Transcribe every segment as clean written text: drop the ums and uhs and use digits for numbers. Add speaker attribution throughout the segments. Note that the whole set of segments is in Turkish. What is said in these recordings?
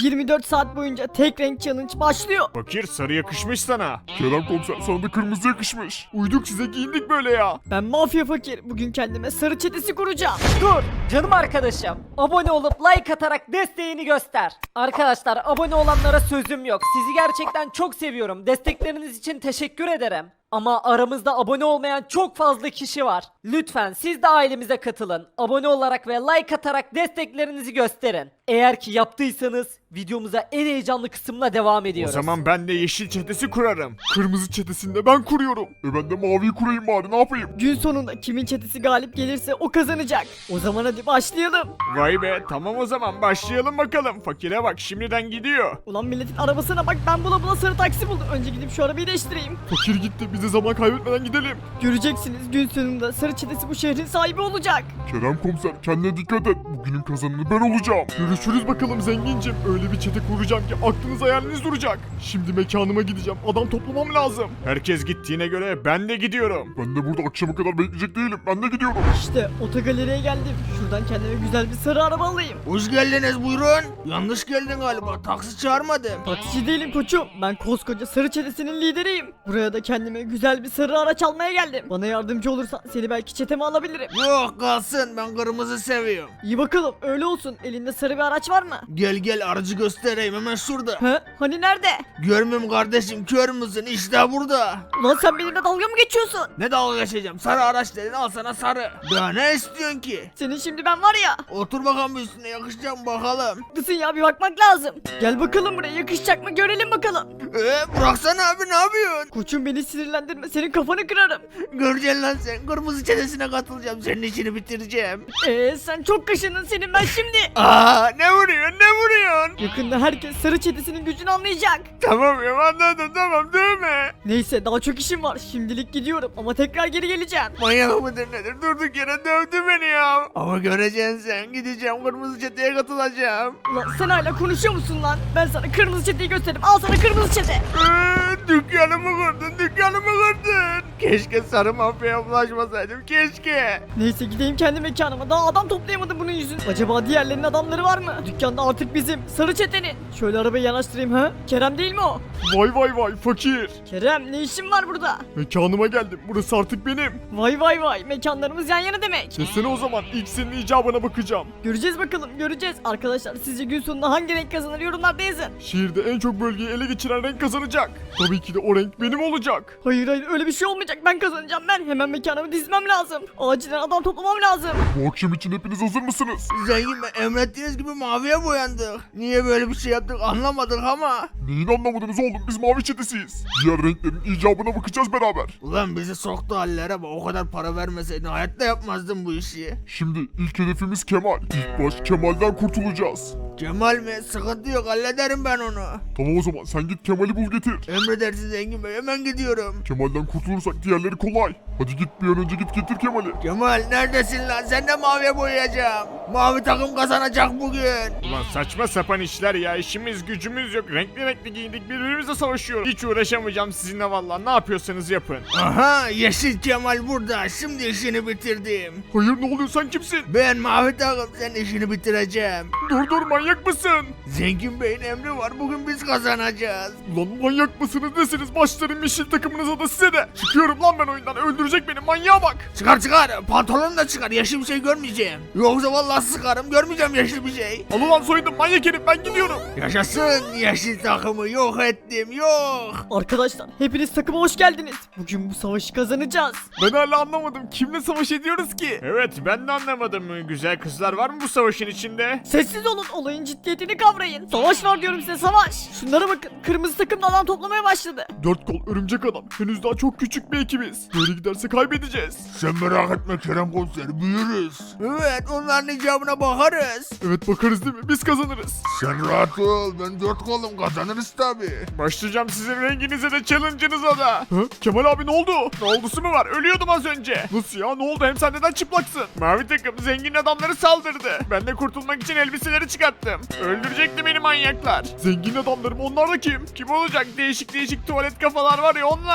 Speaker 1: 24 saat boyunca tek renk challenge başlıyor.
Speaker 2: Fakir, sarı yakışmış sana. Kerem komiser, sana da kırmızı yakışmış. Uyduk size, giyindik böyle ya.
Speaker 1: Ben mafya fakir. Bugün kendime sarı çetesi kuracağım.
Speaker 3: Dur canım arkadaşım. Abone olup like atarak desteğini göster. Arkadaşlar abone olanlara sözüm yok. Sizi gerçekten çok seviyorum. Destekleriniz için teşekkür ederim. Ama aramızda abone olmayan çok fazla kişi var. Lütfen siz de ailemize katılın. Abone olarak ve like atarak desteklerinizi gösterin. Eğer ki yaptıysanız videomuza en heyecanlı kısımla devam
Speaker 2: O
Speaker 3: ediyoruz.
Speaker 2: zaman ben de yeşil çetesi kurarım. Kırmızı çetesini de ben kuruyorum. Ben de maviyi kurayım bari, ne yapayım?
Speaker 1: Gün sonunda kimin çetesi galip gelirse o kazanacak. O zaman hadi başlayalım.
Speaker 2: Vay be, tamam o zaman başlayalım bakalım. Fakire bak, şimdiden gidiyor.
Speaker 1: Ulan milletin arabasına bak, ben bula sarı taksi buldum. Önce gidip şu arabayı değiştireyim.
Speaker 2: Fakir gitti, biz de zaman kaybetmeden gidelim.
Speaker 1: Göreceksiniz, gün sonunda sarı çetesi bu şehrin sahibi olacak.
Speaker 2: Kerem komiser, kendine dikkat et. Bugünün kazananı ben olacağım. Görüşürüz bakalım zengincim. Öyle bir çete kuracağım ki aklınız hayaliniz duracak. Şimdi mekanıma gideceğim. Adam toplamam lazım. Herkes gittiğine göre ben de gidiyorum. Ben de burada akşama kadar bekleyecek değilim. Ben de gidiyorum.
Speaker 1: İşte otogaleriye geldim. Şuradan kendime güzel bir sarı araba alayım.
Speaker 4: Hoş geldiniz, buyurun. Yanlış geldin galiba. Taksi çağırmadım.
Speaker 1: Taksici değilim koçum. Ben koskoca sarı çetesinin lideriyim. Buraya da kendime güzel bir sarı araç almaya geldim. Bana yardımcı olursan seni belki çeteme alabilirim.
Speaker 4: Yok kalsın, ben kırmızı seviyorum.
Speaker 1: İyi bakalım, öyle olsun. Elinde sarı bir araç var mı?
Speaker 4: Gel gel, aracı göstereyim hemen şurada.
Speaker 1: He? Hani nerede?
Speaker 4: Görmüyorum kardeşim, kör müsün? İşte burada.
Speaker 1: Ulan sen benimle dalga mı geçiyorsun?
Speaker 4: Ne dalga geçeceğim? Sarı araç dedin, al sana sarı. Daha ne istiyorsun ki?
Speaker 1: Senin şimdi ben var ya.
Speaker 4: Otur bakalım üstüne, yakışacak mı bakalım.
Speaker 1: Haklısın ya, bir bakmak lazım. Gel bakalım buraya, yakışacak mı görelim bakalım.
Speaker 4: Bıraksana abi, ne yapıyorsun?
Speaker 1: Koçum beni sinirlendirme, senin kafanı kırarım.
Speaker 4: Göreceksin lan sen, kırmızı çetesine katılacağım, senin işini bitireceğim.
Speaker 1: Sen çok kaşındın, senin ben şimdi.
Speaker 4: Aa, ne vuruyorsun, ne vuruyorsun?
Speaker 1: Yakında herkes sarı çetesinin gücünü anlayacak.
Speaker 2: Tamam ya, anladım, tamam değil mi?
Speaker 1: Neyse, daha çok işim var. Şimdilik gidiyorum ama tekrar geri geleceğim.
Speaker 4: Manyak mıdır nedir? Durduk yere dövdü beni ya. Ama göreceksin sen, gideceğim kırmızı çeteye katılacağım.
Speaker 1: Ulan sen hala konuşuyor musun lan? Ben sana kırmızı çeteyi göstereyim. Al sana kırmızı çete.
Speaker 4: Dükkanımı kırdın, dükkanımı kırdın. Keşke sarı mafyaya bulaşmasaydım, keşke.
Speaker 1: Neyse, gideyim kendi mekanıma. Daha adam toplayamadım bunun yüzünden. Acaba diğerlerinin adamları var mı? Dükkanda artık bizim. Sarı çetenin. Şöyle arabayı yanaştırayım ha. Kerem değil mi o?
Speaker 2: Vay vay vay fakir.
Speaker 1: Kerem, ne işin var burada?
Speaker 2: Mekanıma geldim. Burası artık benim.
Speaker 1: Vay vay vay. Mekanlarımız yan yana demek.
Speaker 2: Desene o zaman, ilk senin icabına bakacağım.
Speaker 1: Göreceğiz bakalım, göreceğiz. Arkadaşlar, sizce gün sonunda hangi renk kazanır, yorumlarda yazın.
Speaker 2: Şehirde en çok bölgeyi ele geçiren renk kazanacak. Tabii ki de o renk benim olacak.
Speaker 1: Hayır hayır, öyle bir şey olmayacak. Ben kazanacağım ben. Hemen mekanımı dizmem lazım. Acilen adam toplamam lazım.
Speaker 2: Bu akşam için hepiniz hazır mısınız?
Speaker 4: Zengin Bey, emrettiğiniz gibi maviye boyandık. Niye böyle bir şey yaptık anlamadık ama.
Speaker 2: Neyin anlamadınız oğlum? Biz mavi çetesiyiz. Diğer renklerin icabına bakacağız beraber.
Speaker 4: Ulan bizi soktu hallere bak, o kadar para vermeseydin hayatta yapmazdım bu işi.
Speaker 2: Şimdi ilk hedefimiz Kemal. İlk baş Kemal'den kurtulacağız.
Speaker 4: Kemal mi? Sıkıntı yok, hallederim ben onu.
Speaker 2: Tamam o zaman, sen git Kemal'i bul getir.
Speaker 4: Emredersin Zengin Bey, hemen gidiyorum.
Speaker 2: Kemal'den kurtulursak diğerleri kolay. Hadi git, bir an önce git getir Kemal'i.
Speaker 4: Kemal neredesin lan? Sen de maviye boyayacağım. Mavi takım kazanacak bugün.
Speaker 2: Ulan saçma sapan işler ya, işimiz gücümüz yok. Renkli renkli giyindik, birbirimizle savaşıyoruz. Hiç uğraşamayacağım sizinle vallahi, ne yapıyorsanız yapın.
Speaker 4: Aha, yeşil Kemal burada. Şimdi işini bitirdim.
Speaker 2: Hayır, ne oluyor, sen kimsin?
Speaker 4: Ben mavi takım, senin işini bitireceğim.
Speaker 2: Dur manyak mısın?
Speaker 4: Zengin Bey'in emri var, bugün biz kazanacağız.
Speaker 2: Ulan manyak mısınız nesiniz, başlarım yeşil takımınıza da size de. Çıkıyorum lan ben oyundan, öldürecek beni, manyağa bak.
Speaker 4: Çıkar, pantolonu da çıkar, yeşil bir şey görmeyeceğim. Yoksa vallahi sıkarım, görmeyeceğim yeşil bir şey.
Speaker 2: Al ulan soydum manyak herif, ben gidiyorum.
Speaker 4: Yaşasın, yeşil takımı yok ettim, yok.
Speaker 1: Arkadaşlar, hepiniz takıma hoş geldiniz. Bugün bu savaşı kazanacağız.
Speaker 2: Ben hala anlamadım, kimle savaş ediyoruz ki? Evet, ben de anlamadım. Güzel kızlar var mı bu savaşın içinde?
Speaker 1: Sessiz olun, olayın ciddiyetini kavrayın. Savaş var diyorum size, savaş. Şunlara bakın, kırmızı takım da adam toplamaya başladı.
Speaker 2: Dört kol örümcek adam, henüz daha çok küçük bir ekibiz. Böyle giderse kaybedeceğiz.
Speaker 4: Sen merak etme Kerem Komiser, büyürüz. Evet, onların icabına bakarız.
Speaker 2: Evet, bakarız değil mi? Biz kazanırız.
Speaker 4: Sen rahat ol, ben 4 kolum, kazanırız tabi.
Speaker 2: Başlayacağım sizin renginize de challenge'ınıza da. Hı? Kemal abi ne oldu? Ne oldusu mu var? Ölüyordum az önce. Nasıl ya? Ne oldu? Hem sen neden çıplaksın? Mavi takım zengin adamları saldırdı. Ben de kurtulmak için elbiseleri çıkarttım. Öldürecekti beni manyaklar. Zengin adamlarım, onlar da kim? Kim olacak? Değişik değişik tuvalet kafalar var ya, onlar.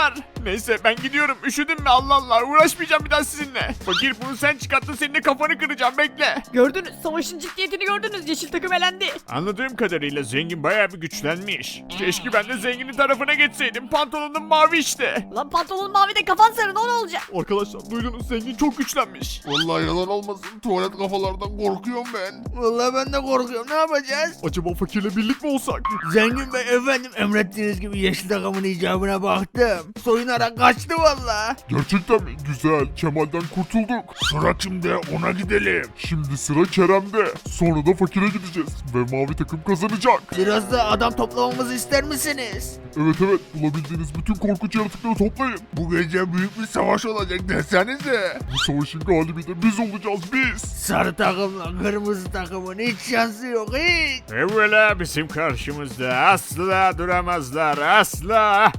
Speaker 2: Neyse ben gidiyorum. Üşüdün mü? Allah Allah. Uğraşmayacağım bir daha sizinle. Fakir bunu sen çıkarttın. Senin de kafanı kıracağım. Bekle.
Speaker 1: Gördünüz, savaşın ciddiyetini gördünüz. Yeşil takım elendi.
Speaker 2: Anladığım kadarıyla zengin bayağı bir güçlenmiş. Keşke ben de zenginin tarafına geçseydim. Pantolonum mavi işte.
Speaker 1: Lan pantolon mavi de kafan sarı, ne olacak?
Speaker 2: Arkadaşlar duydunuz, zengin çok güçlenmiş.
Speaker 4: Vallahi yalan olmasın, tuvalet kafalardan korkuyorum ben. Vallahi ben de korkuyorum, ne yapacağız?
Speaker 2: Acaba fakirle birlik mi olsak?
Speaker 4: Zengin Bey efendim, emrettiğiniz gibi yeşil takımın icabına baktım. Soyunarak kaçtı valla.
Speaker 5: Gerçekten mi? Güzel. Kemal'den kurtulduk. Sıra kimde? Ona gidelim. Şimdi sıra Kerem'de. Sonra da fakire gideceğiz. Ve mavi takım kazanacak.
Speaker 4: Biraz da adam toplamamızı ister misiniz?
Speaker 5: Evet evet. Bulabildiğiniz bütün korkunç yaratıkları toplayın. Bu gece büyük bir savaş olacak desenize. Bu savaşın galibi de biz olacağız biz.
Speaker 4: Sarı takımla kırmızı takımın hiç şansı yok hiç.
Speaker 2: Evvela bizim karşımızda asla duramazlar, asla.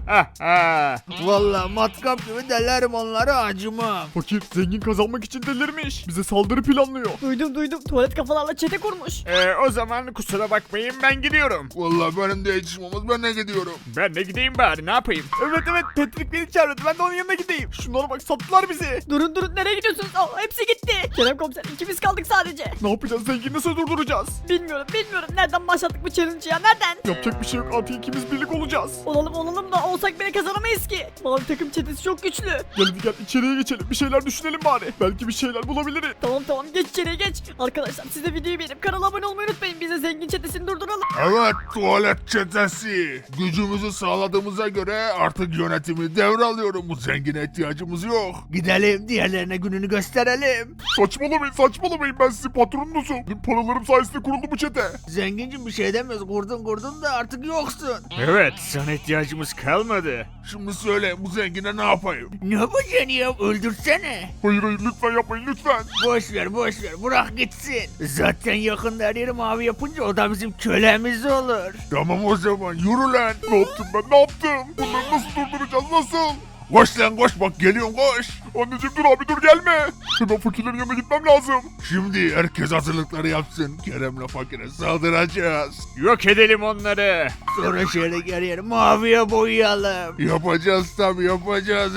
Speaker 4: Valla matkap gibi delerim onları, acımam.
Speaker 2: Fakir zengin kazanmak için delirmiş. Bize saldırı planlıyor.
Speaker 1: Duydum, tuvalet kafalarla çete kurmuş.
Speaker 2: O zaman kusura bakmayın, ben gidiyorum.
Speaker 5: Vallahi benim de işim olmaz. Ben de gidiyorum.
Speaker 2: Ben de gideyim bari, ne yapayım? Evet Patrick beni çağırdı, ben de onun yanına gideyim. Şunlara bak, sattılar bizi.
Speaker 1: Durun nereye gidiyorsunuz? Aa, hepsi gitti. Kerem komiser, ikimiz kaldık sadece.
Speaker 2: Ne yapacağız, zengini nasıl durduracağız?
Speaker 1: Bilmiyorum. Nereden başlattık bu challenge'ı ya, nereden?
Speaker 2: Yapacak bir şey yok, artık ikimiz birlik olacağız.
Speaker 1: Olalım da olsak bile kazanamayız ki. Mavi takım çetesi çok güçlü.
Speaker 2: Gel içeriye geçelim, bir şeyler düşünelim bari. Belki bir şeyler bulabiliriz.
Speaker 1: Tamam geç içeriye geç. Arkadaşlar siz de videoyu beğenip kanala abone olmayı unutmayın. Biz de zengin çetesini durduralım.
Speaker 5: Evet, tuvalet çetesi. Gücümüzü sağladığımıza göre artık yönetimi devralıyorum. Bu zengine ihtiyacımız yok.
Speaker 4: Gidelim diğerlerine gününü gösterelim.
Speaker 5: Saçmalamayın. Ben sizin patronunuzum. Benim paralarım sayesinde kuruldu bu çete.
Speaker 4: Zengincim bir şey demiyoruz, kurdun da artık yoksun.
Speaker 2: Evet, sana ihtiyacımız kalmadı.
Speaker 5: Şimdi söyle, bu zengine ne yapayım?
Speaker 4: Ne yapacaksın ya, öldürsene.
Speaker 5: Hayır lütfen yapmayın lütfen.
Speaker 4: Boş ver bırak gitsin. Zaten yakında her yeri mavi yapınca o da bizim kölemiz olur.
Speaker 5: Tamam o zaman yürü lan. Ne yaptım? Bunları nasıl durduracağız, nasıl? Koş lan koş, bak geliyorum koş. Anneciğim dur abi dur gelme. Hemen fakirlerin yanına gitmem lazım. Şimdi herkes hazırlıkları yapsın. Kerem'le fakire saldıracağız.
Speaker 2: Yok edelim onları.
Speaker 4: Sonra şehre her yeri maviye boyayalım.
Speaker 5: Yapacağız tabii yapacağız.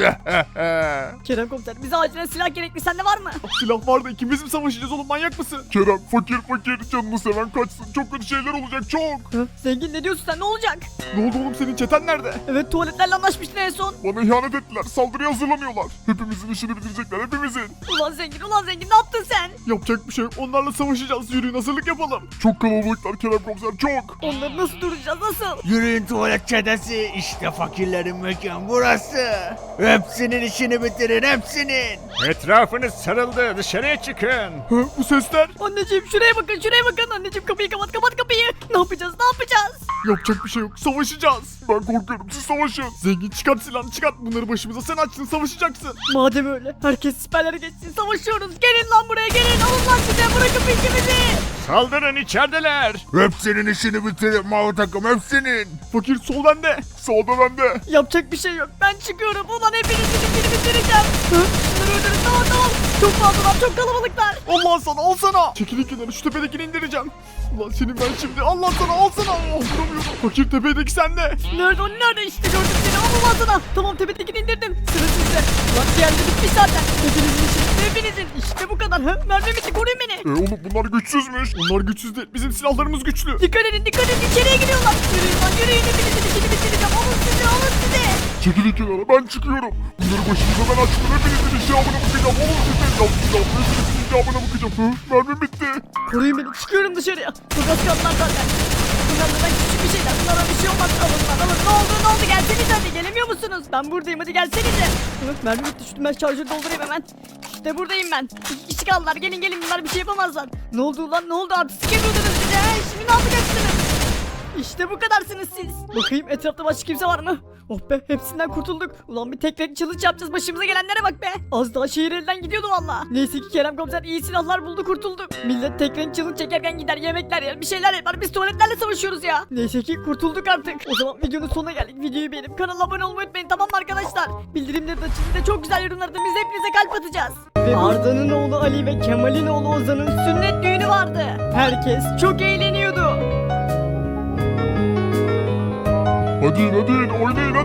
Speaker 1: Kerem komiser, bize acilen silah gerekli. Sende var mı?
Speaker 2: Silah var da ikimiz mi savaşacağız oğlum, manyak mısın?
Speaker 5: Kerem fakir canını seven kaçsın. Çok kötü şeyler olacak çok.
Speaker 1: Hı? Zengin ne diyorsun sen, ne olacak?
Speaker 2: Ne oldu oğlum, senin çeten nerede?
Speaker 1: Evet, tuvaletlerle anlaşmıştın en son.
Speaker 5: Bana ihanet ettiler. Saldırıya hazırlanıyorlar. Hepimizin işini bitirecekler hepimizin.
Speaker 1: Ulan zengin ne yaptın sen?
Speaker 2: Yapacak bir şey yok, onlarla savaşacağız, yürüyün hazırlık yapalım.
Speaker 5: Çok kalabalıklar Kerem komiser çok.
Speaker 1: Onları nasıl duracağız, nasıl?
Speaker 4: Yürüyün tuvalet çetesi, işte fakirlerin mekan burası. Hepsinin işini bitirin, hepsinin.
Speaker 2: Etrafınız sarıldı, dışarıya çıkın. Bu sesler?
Speaker 1: Anneciğim şuraya bakın. Anneciğim kapıyı kapat kapıyı. Ne yapacağız?
Speaker 2: Yapacak bir şey yok, savaşacağız.
Speaker 5: Ben korkuyorum siz savaşın.
Speaker 2: Zengin çıkart silahını, çıkart, bunları başımıza sen açtın, savaşacaksın.
Speaker 1: Madem öyle, herkes siperlere geçsin, savaşıyoruz. Gelin lan buraya, gelin. Alın lan size, bırakın peşimizi.
Speaker 2: Saldırın, içerideler.
Speaker 5: Hepsinin işini bitirin mavi takım hepsinin.
Speaker 2: Fakir sol bende.
Speaker 5: Solda bende.
Speaker 1: Yapacak bir şey yok. Ben çıkıyorum. Ulan hepinizin işini bitireceğim. Hı? Şunları öldürün, tamam. Çok fazlalar, çok kalabalıklar.
Speaker 2: Allah sana, al sana. Çekilin kenara, şu tepedekini indireceğim. Ulan senin ben şimdi, Allah sana, al sana. Oh, vuramıyorum. Fakir tepedeki sende.
Speaker 1: Nerede işte gördüm seni. Al ulan sana. Tamam, tepedekini indirdim. Sıra sizde. Ulan diğerleri bitmiş zaten. Hepinizin işini, hepinizin. İşte bu kadar. Hı? Mermi bitti, koruyun beni.
Speaker 5: Oğlum bunlar güçsüzmüş.
Speaker 2: Onlar güçsüz değil, bizim silahlarımız güçlü.
Speaker 1: Dikkat edin, içeriye giriyorlar. Yürüyün lan, yürüyün. Hepinizin işini bitireceğim. Alın size.
Speaker 5: Çekilin kenara ben çıkıyorum. Bunları başımıza ben açtım. Hepinizin icabına bakacağım. Oğlum sizin hepinizin icabına bakacağım. Mermim bitti.
Speaker 1: Koruyun beni, çıkıyorum dışarıya. Çok az kaldılar zaten. Bunlardan küçük bir şeyler. Bunlara bir şey olmaz. Alın. Ne oldu? Gelsenize hadi. Gelemiyor musunuz? Ben buradayım, hadi gelsenize. Hı, mermi bitti. Şu ben şarjörü doldurayım hemen. İşte buradayım ben. 2 kişi kaldılar. Gelin. Bunlar bir şey yapamazlar. Ne oldu lan? Ne oldu? Artistik yapıyordunuz bize. Şimdi ne yapacaksınız? İşte bu kadarsınız siz. Bakayım etrafta başka kimse var mı? Oh be, hepsinden kurtulduk. Ulan bir tek renk challenge yapacağız, başımıza gelenlere bak be. Az daha şehir elden gidiyordu valla. Neyse ki Kerem komiser iyi silahlar buldu, kurtulduk. Millet tek renk challenge çekerken gider yemekler yer, bir şeyler yapar, biz tuvaletlerle savaşıyoruz ya. Neyse ki kurtulduk artık. O zaman videonun sonuna geldik. Videoyu beğenip kanala abone olmayı unutmayın, tamam mı arkadaşlar? Bildirimleri de açın, de çok güzel yorumlarda biz hepinize kalp atacağız. Ve Arda'nın oğlu Ali ve Kemal'in oğlu Ozan'ın sünnet düğünü vardı. Herkes çok eğleniyordu.
Speaker 5: Hadi oynayın hadi.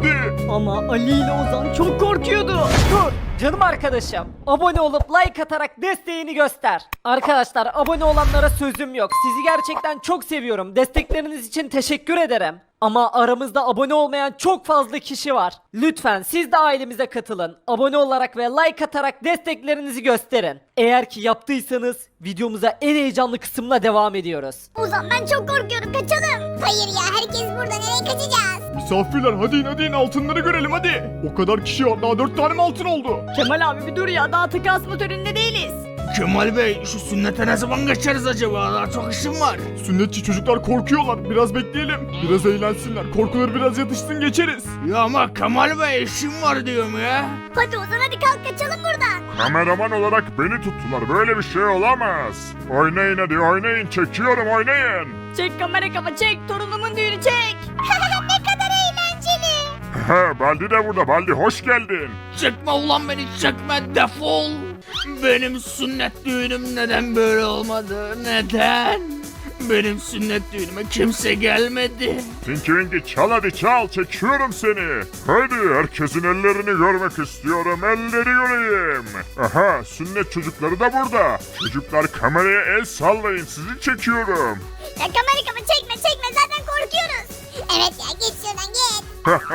Speaker 1: Ama Ali ile Ozan çok korkuyordu. Dur.
Speaker 3: Canım arkadaşım, abone olup like atarak desteğini göster. Arkadaşlar, abone olanlara sözüm yok. Sizi gerçekten çok seviyorum. Destekleriniz için teşekkür ederim. Ama aramızda abone olmayan çok fazla kişi var. Lütfen siz de ailemize katılın. Abone olarak ve like atarak desteklerinizi gösterin. Eğer ki yaptıysanız videomuza en heyecanlı kısımla devam ediyoruz.
Speaker 6: Ozan ben çok korkuyorum kaçalım. Hayır ya herkes burada nereye kaçacağız?
Speaker 2: Misafirler hadi in altınları görelim hadi. O kadar kişi var daha 4 tane mi altın oldu?
Speaker 1: Kemal abi bir dur ya, daha takı asma töreninde değiliz.
Speaker 4: Kemal Bey şu sünnete ne zaman geçeriz acaba? Daha çok işim var.
Speaker 2: Sünnetçi çocuklar korkuyorlar. Biraz bekleyelim. Biraz eğlensinler. Korkuları biraz yatışsın geçeriz.
Speaker 4: Ya ama Kemal Bey işim var diyorum ya.
Speaker 6: Hadi Ozan hadi kalk kaçalım buradan.
Speaker 5: Kameraman olarak beni tuttular. Böyle bir şey olamaz. Oynayın hadi oynayın. Çekiyorum oynayın.
Speaker 1: Çek kamera kafa çek, torunumun düğünü çek.
Speaker 6: Ne kadar eğlenceli.
Speaker 5: He, Baldi de burada. Baldi hoş geldin.
Speaker 4: Çekme ulan beni çekme defol. Benim sünnet düğünüm neden böyle olmadı? Neden? Benim sünnet düğünüme kimse gelmedi.
Speaker 5: Tinky Winky çal hadi çal. Çekiyorum seni. Hadi herkesin ellerini görmek istiyorum. Elleri göreyim. Aha sünnet çocukları da burada. Çocuklar kameraya el sallayın. Sizi çekiyorum.
Speaker 6: Ya kamera kafa çekme zaten korkuyoruz. Evet ya geç şuradan geç.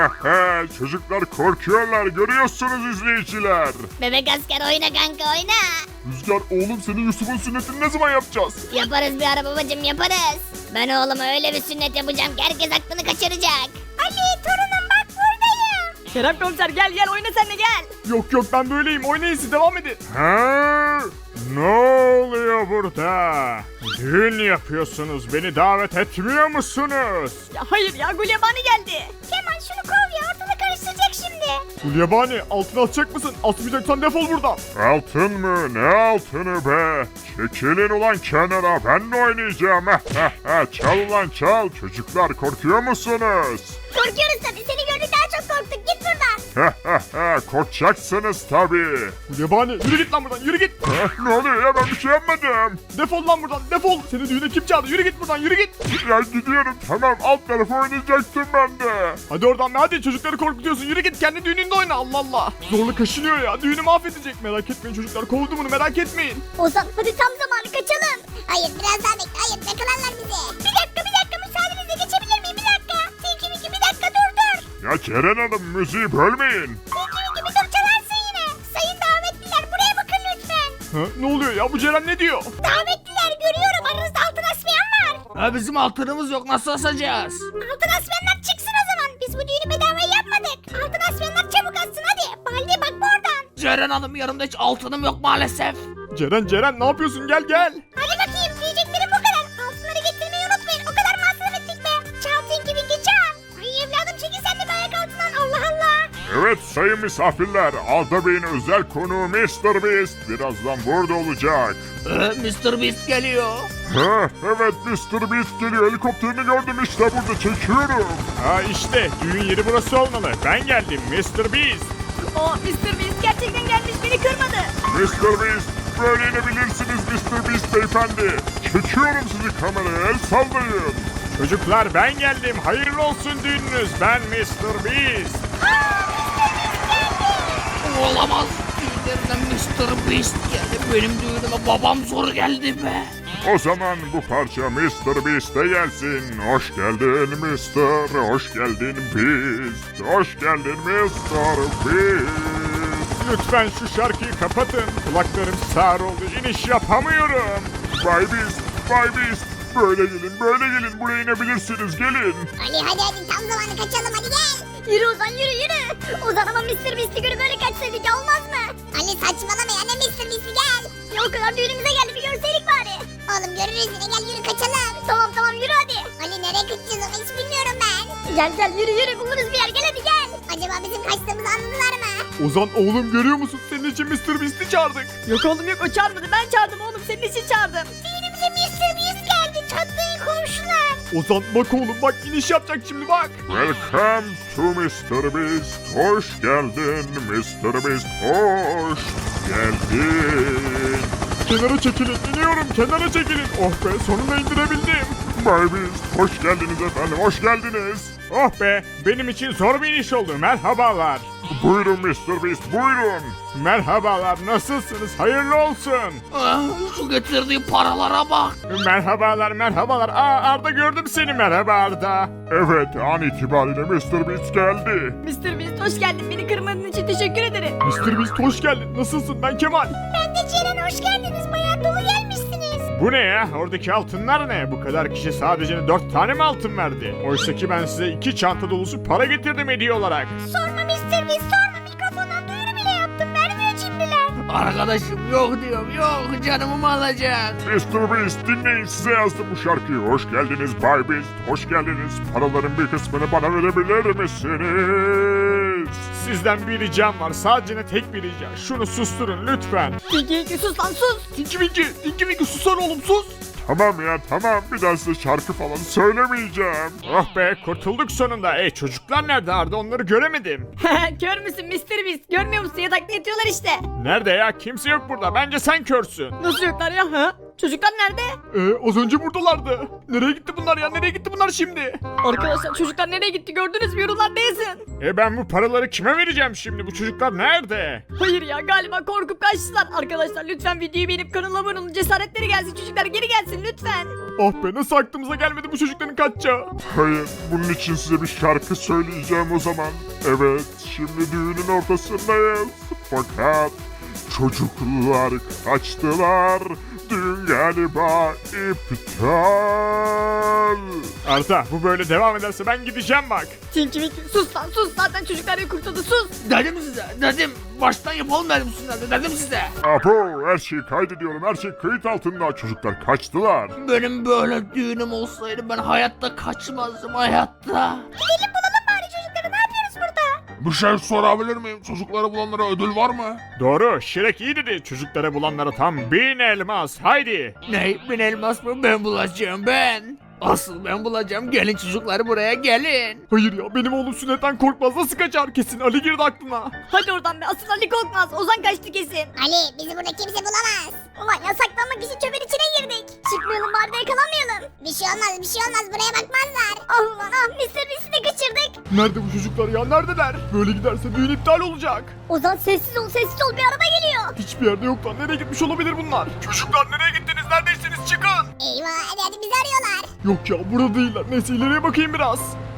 Speaker 5: Çocuklar korkuyorlar. Görüyorsunuz izleyiciler.
Speaker 6: Bebek asker oyna kanka oyna.
Speaker 5: Rüzgar oğlum senin Yusuf'un sünnetini ne zaman yapacağız?
Speaker 6: Yaparız bir ara babacım yaparız. Ben oğluma öyle bir sünnet yapacağım ki herkes aklını kaçıracak. Ali torunum bak buradayım.
Speaker 1: Kerem komiser gel oyna sen de gel.
Speaker 2: Yok ben böyleyim. Oynayın siz devam edin.
Speaker 5: Ha? Ne oluyor burada? Düğün yapıyorsunuz. Beni davet etmiyor musunuz?
Speaker 1: Ya hayır ya, Gulyabani geldi.
Speaker 6: Kemal şunu kov ya ortalığı karıştıracak şimdi.
Speaker 2: Gulyabani altın atacak mısın? Atmayacaksan defol buradan.
Speaker 5: Altın mı? Ne altını be? Çekilin ulan kenara. Ben de oynayacağım. Çal ulan çal. Çocuklar korkuyor musunuz?
Speaker 6: Korkuyoruz tabii seni gördük daha çok korktuk git buradan.
Speaker 5: Korkacaksınız tabii.
Speaker 2: Gulyabani yürü git lan buradan yürü git.
Speaker 5: Ne oluyor ya ben bir şey yapmadım.
Speaker 2: Defol lan buradan defol. Seni düğüne kim çağırdı? Yürü git buradan yürü git.
Speaker 5: Ya gidiyorum tamam alt tarafı oynayacaktım ben de.
Speaker 2: Hadi oradan be hadi çocukları korkutuyorsun. Yürü git kendi düğününde oyna Allah Allah. Zorla kaşınıyor ya. Düğünü mahvedecek. Merak etmeyin çocuklar. Kovdum bunu merak etmeyin.
Speaker 6: Ozan hadi tam zamanı kaçalım. Hayır biraz daha bekle hayır yakalarlar bizi. Bir dakika müsaadenizle geçebilir miyim bir dakika. Tinky bir dakika dur.
Speaker 5: Ya Ceren Hanım müziği bölmeyin.
Speaker 6: Tinky bir dur çalarsın yine. Sayın davetliler buraya bakın lütfen.
Speaker 2: Ha, ne oluyor ya bu Ceren ne diyor?
Speaker 6: Davetliler görüyorum aranızda altın asmayan var.
Speaker 4: Ha bizim altınımız yok nasıl asacağız?
Speaker 6: Altın asmayanlar çıksın o zaman. Biz bu düğünü bedavaya yapmadık. Altın asmayanlar çabuk atsın hadi. Baldi bak bu oradan.
Speaker 4: Ceren Hanım yanımda hiç altınım yok maalesef.
Speaker 2: Ceren ne yapıyorsun gel gel.
Speaker 6: Hadi bakayım diyeceklerim bu kadar. Altınları getirmeyi unutmayın. O kadar masraf ettik be. Çal Tinky çal. Ay evladım çekil sen de bir ayak altından. Allah Allah.
Speaker 5: Evet sayın misafirler Arda Bey'in özel konuğu Mr. Beast birazdan burada olacak.
Speaker 4: Mr. Beast geliyor.
Speaker 5: Evet Mr. Beast geliyor helikopterini gördüm işte burada çekiyorum.
Speaker 2: Ha işte düğün yeri burası olmalı. Ben geldim Mr. Beast.
Speaker 1: Aa Mr. Beast gerçekten gelmiş, beni kırmadı.
Speaker 5: Mr. Beast böyle inebilirsiniz Mr. Beast beyefendi. Çekiyorum sizi kameraya el sallayın.
Speaker 2: Çocuklar ben geldim. Hayırlı olsun düğününüz. Ben Mr. Beast.
Speaker 4: Olamaz. Düğünlerinden Mr. Beast geldi. Benim düğünüme babam zor geldi be.
Speaker 5: O zaman bu parça Mr. Beast'e gelsin. Hoş geldin Mr. Hoş geldin Beast. Hoş geldin Mr. Beast.
Speaker 2: Lütfen şu şarkıyı kapatın. Kulaklarım sağır oldu. İniş yapamıyorum.
Speaker 5: Bay Beast. Böyle gelin buraya inebilirsiniz gelin.
Speaker 6: Ali hadi tam zamanı kaçalım hadi gel. Yürü Ozan yürü. Ozan ama Mr. Beast'i görüp böyle kaçsaydık ya olmaz mı? Ali saçmalama ya ne Mr. Beast'i gel. Ya o kadar düğünümüze geldi bir görseydik bari. Oğlum görürüz yine gel yürü kaçalım. Tamam yürü hadi. Ali nereye kaçacağız ama hiç bilmiyorum ben. Gel yürü buluruz bir yer gel hadi gel. Acaba bizim kaçtığımızı anladılar mı?
Speaker 2: Ozan oğlum görüyor musun? Senin için Mr. Beast'i çağırdık.
Speaker 1: Yok oğlum yok, o çağırmadı, ben çağırdım oğlum, senin için çağırdım.
Speaker 6: Düğünümüze Mr. Beast geldi çatlayın komşular.
Speaker 2: Ozan bak oğlum bak iniş yapacak şimdi bak.
Speaker 5: Welcome to Mr. Beast. Hoş geldin Mr. Beast. Hoş geldin.
Speaker 2: Kenara çekilin iniyorum kenara çekilin. Oh be sonunda indirebildim.
Speaker 5: Bay Beast hoş geldiniz efendim hoş geldiniz.
Speaker 2: Oh be, benim için zor bir iş oldu. Merhabalar.
Speaker 5: Buyurun Mr. Beast buyurun.
Speaker 2: Merhabalar, nasılsınız? Hayırlı olsun.
Speaker 4: Ah, şu getirdiği paralara bak.
Speaker 2: Merhabalar, merhabalar. Aa, Arda gördüm seni. Merhaba Arda.
Speaker 5: Evet an itibariyle Mr. Beast geldi.
Speaker 1: Mr. Beast hoş geldin. Beni kırmadığın için teşekkür ederim.
Speaker 2: Mr. Beast hoş geldin. Nasılsın? Ben Kemal.
Speaker 6: Ben de Ceren hoş geldiniz. Bayağı dolu gelmişsiniz.
Speaker 2: Bu ne ya? Oradaki altınlar ne? Bu kadar kişi sadece 4 tane mi altın verdi? Oysa ki ben size 2 çanta dolusu para getirdim hediye olarak.
Speaker 6: Sorma Mr. Beast sorma. Mikrofondan duyuru bile yaptım. Vermiyor cimriler.
Speaker 4: Arkadaşım yok diyorum yok canımı alacak.
Speaker 5: Mr. Beast dinleyin size yazdım bu şarkıyı. Hoş geldiniz Bay Beast. Hoş geldiniz. Paraların bir kısmını bana verebilir misiniz?
Speaker 2: Sizden bir ricam var. Sadece tek bir rica. Şunu susturun lütfen.
Speaker 1: Tinky sus lan sus.
Speaker 2: Tinky Winky susana oğlum sus.
Speaker 5: Tamam ya tamam bir daha size şarkı falan söylemeyeceğim.
Speaker 2: Oh be kurtulduk sonunda. Çocuklar nerede Arda? Onları göremedim.
Speaker 1: Kör müsün Mr. Beast? Görmüyor musun? Yatakta yatıyorlar işte.
Speaker 2: Nerede ya? Kimse yok burada. Bence sen körsün.
Speaker 1: Nasıl yoklar ya? Ha? Çocuklar nerede?
Speaker 2: Az önce buradalardı. Nereye gitti bunlar ya? Nereye gitti bunlar şimdi?
Speaker 1: Arkadaşlar çocuklar nereye gitti gördünüz mü? Yorumlarda yazın.
Speaker 2: Ben bu paraları kime vereceğim şimdi? Bu çocuklar nerede?
Speaker 1: Hayır ya galiba korkup kaçtılar. Arkadaşlar lütfen videoyu beğenip kanala abone olun. Cesaretleri gelsin çocuklar geri gelsin lütfen.
Speaker 2: Oh be nasıl aklımıza gelmedi bu çocukların kaçacağı?
Speaker 5: Hayır bunun için size bir şarkı söyleyeceğim o zaman. Evet şimdi düğünün ortasındayız. Fakat çocuklar kaçtılar. Düğün galiba iptal.
Speaker 2: Arda bu böyle devam ederse ben gideceğim bak.
Speaker 1: Tinky Winky sus lan sus. Zaten çocuklar bir kurtuldu sus.
Speaker 4: Dedim size dedim. Baştan yapalım dedim üstünden dedim size.
Speaker 5: Abo her şeyi kaydediyorum her şey kayıt altında. Çocuklar kaçtılar.
Speaker 4: Benim böyle düğünüm olsaydı ben hayatta kaçmazdım hayatta.
Speaker 6: Gidelim bulalım bari çocukları. Ne yapıyoruz burada?
Speaker 5: Bir şey sorabilir miyim? Çocukları bulanlara ödül var mı?
Speaker 2: Doğru Şirek iyi dedi. Çocuklara bulanlara tam 1000 elmas. Haydi.
Speaker 4: Ne? Ben elmas mı? Ben bulacağım ben. Asıl ben bulacağım. Gelin çocuklar buraya gelin.
Speaker 2: Hayır ya benim oğlum sünnetten korkmaz. Nasıl kaçar? Kesin Ali girdi aklına.
Speaker 1: Hadi oradan be asıl Ali korkmaz. Ozan kaçtı kesin.
Speaker 6: Ali bizi burada kimse bulamaz. Ulan ya saklanmak için çöpün içine girdik. Çıkmayalım bari de yakalanmayalım. Bir şey olmaz buraya bakmazlar. Ah ulan ah Mr. Beast'i de kaçırdık.
Speaker 2: Nerede bu çocuklar ya? Neredeler? Böyle giderse düğün iptal olacak.
Speaker 6: Ozan sessiz ol bir araba geliyor.
Speaker 2: Hiçbir yerde yoklar. Nereye gitmiş olabilir bunlar? Çocuklar nereye gittiniz? Neredeyseniz çıkın.
Speaker 6: Eyvah hadi bizi arıyorlar.
Speaker 2: Yok ya burada değiller. Neyse ileriye bakayım biraz.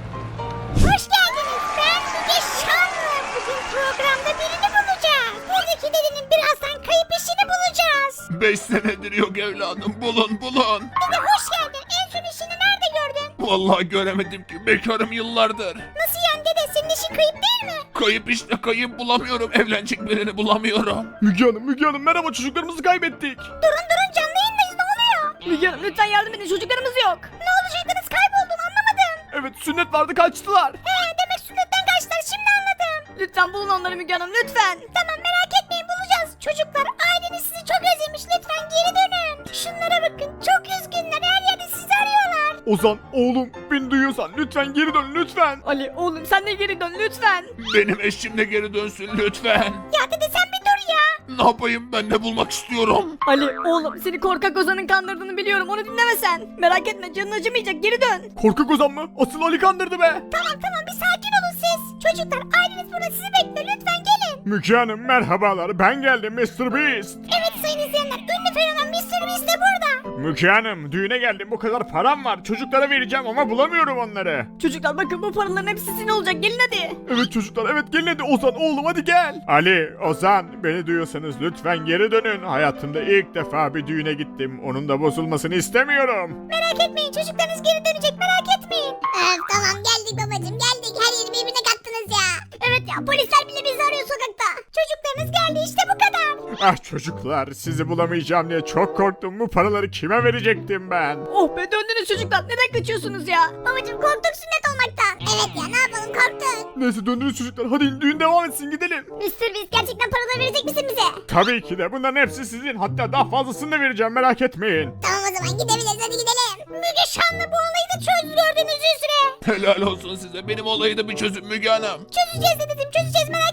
Speaker 6: Hoş geldiniz ben Müge Şanlı. Bugün programda birini bulacağız. Buradaki dedenin birazdan kayıp işini bulacağız.
Speaker 5: 5 senedir yok evladım bulun.
Speaker 6: Dede hoş geldin. En son işini nerede gördün?
Speaker 5: Vallahi göremedim ki bekarım yıllardır.
Speaker 6: Nasıl yani dede senin işin kayıp değil mi?
Speaker 5: Kayıp işte kayıp bulamıyorum evlenecek birini bulamıyorum.
Speaker 2: Müge Hanım merhaba çocuklarımızı kaybettik.
Speaker 6: Durun canlı yayındayız ne oluyor?
Speaker 1: Müge Hanım lütfen yardım edin çocuklarımız yok.
Speaker 6: Ne olacaktınız kayboldun anlamadım.
Speaker 2: Evet sünnet vardı kaçtılar.
Speaker 6: Demek sünnetten kaçtılar şimdi anladım.
Speaker 1: Lütfen bulun onları Müge Hanım lütfen.
Speaker 6: Tamam merak etmeyin bulacağız. Çocuklar aileniz sizi çok özlemiş lütfen geri dönün. Şunlara bakın çok üzgünler her yerde sizi arıyorlar.
Speaker 2: Ozan oğlum beni duyuyorsan lütfen geri dön lütfen.
Speaker 1: Ali oğlum sen de geri dön lütfen.
Speaker 5: Benim eşim de geri dönsün lütfen.
Speaker 6: Ya dede sen bir dur ya.
Speaker 5: Ne yapayım ben de bulmak istiyorum.
Speaker 1: Ali oğlum seni korkak Ozan'ın kandırdığını biliyorum onu dinleme sen. Merak etme canın acımayacak geri dön.
Speaker 2: Korkak Ozan mı? Asıl Ali kandırdı be.
Speaker 6: Tamam bir sakin olun siz. Çocuklar aileniz burada sizi bekliyor lütfen gelin.
Speaker 2: Müge Hanım merhabalar ben geldim Mr. Beast.
Speaker 6: Evet sayın izleyenler ünlü fenomen Mr. Beast de burada.
Speaker 2: Müge Hanım düğüne geldim bu kadar param var çocuklara vereceğim ama bulamıyorum onları.
Speaker 1: Çocuklar bakın bu paraların hepsi sizin olacak gelin hadi.
Speaker 2: Evet çocuklar evet gelin hadi Ozan oğlum hadi gel. Ali, Ozan beni duyuyorsanız lütfen geri dönün. Hayatımda ilk defa bir düğüne gittim. Onun da bozulmasını istemiyorum.
Speaker 6: Merak etmeyin çocuklarınız geri dönecek merak etmeyin. Tamam geldik babacım geldik her yeri birbirine kattınız ya. Evet ya polisler bile bizi arıyor sokakta. Çocuklarınız geldi işte bu kadar.
Speaker 2: Ah çocuklar sizi bulamayacağım diye çok korktum. Bu paraları kime verecektim ben?
Speaker 1: Oh be döndünüz çocuklar neden kaçıyorsunuz ya?
Speaker 6: Babacım korktuk sünnet olmaktan. Evet ya ne yapalım korktuk.
Speaker 2: Neyse döndünüz çocuklar hadi düğün devam etsin gidelim.
Speaker 6: Mr. Beast gerçekten paraları verecek misin bize?
Speaker 2: Tabii ki de bunların hepsi sizin. Hatta daha fazlasını da vereceğim merak etmeyin.
Speaker 6: Tamam o zaman gidebiliriz hadi gidelim. Müge Şanlı bu olayı da çözdü gördüğünüz üzere.
Speaker 5: Helal olsun size benim olayı da bir çözün Müge Hanım.
Speaker 6: Çözeceğiz dedeciğim çözeceğiz merak etme.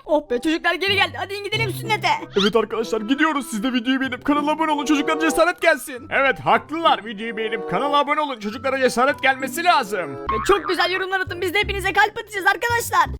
Speaker 1: Oh be çocuklar geri geldi. Hadi gidelim sünnete.
Speaker 2: Evet arkadaşlar gidiyoruz. Siz de videoyu beğenip kanala abone olun. Çocuklara cesaret gelsin. Evet haklılar. Videoyu beğenip kanala abone olun. Çocuklara cesaret gelmesi lazım.
Speaker 1: Ve çok güzel yorumlar atın. Biz de hepinize kalp atacağız arkadaşlar.